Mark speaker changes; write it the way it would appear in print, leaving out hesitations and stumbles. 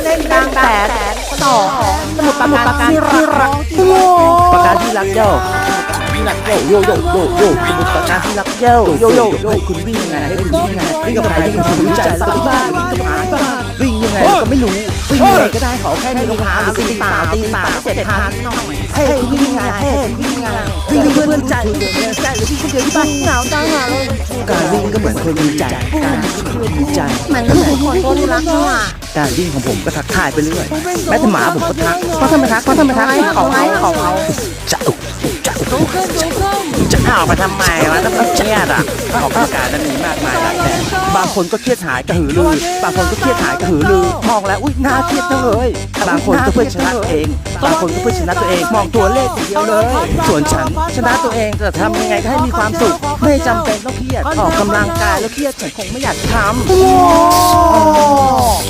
Speaker 1: ส้นบางแสนต่อสมุดปราการที่รักปราการที่รักเจ้าที่รักเจ้าโยสมุดปราการที่รักเจ้าโยคุณวิ่งยังไงให้คุณวิ่งยังไงวิ่งกับใครที่คุณรู้ใจสักบ้านวิ่งกับหมาบ้านวิ่งยังไงก็ไม่รู้วิ่งยังไงก็ได้ขอแค่มีรองเท้าหรือตีป่าเสร็จทานให้คุณวิ่งยังไงให้คุณวิ่งยังไงวิ่งเพื่อนใจหรือวิ่งคนเดียวที่บ้านหนาวตายหาเลยการวิ่งก็เหมือนคนมีใจการวิ่งก็เหมือนมีใจเหมือนลูกคนคนรักเขาอ่ะการวิ่งของผมก็ทักทายไปเรื่อยแม้แต่หมาผมก็ทักเพราะทำไมทักเขาจะเอาไปทำไมวะต้องเครียดอ่ะออกอาการนั้นมีมากมายหลายแบบบางคนก็เครียดหายกระหือรือบางคนก็เครียดหายกระหือรือมองแล้วอุ้ยน่าเครียดจังเลยบางคนก็เพื่อชนะตัวเองบางคนก็เพื่อชนะตัวเองมองตัวเลขอย่างเดียวเลยส่วนฉันชนะตัวเองจะทำยังไงก็ให้มีความสุขไม่จำเป็นต้องเครียดออกกำลังกายแล้วเครียดฉันคงไม่อยากทำ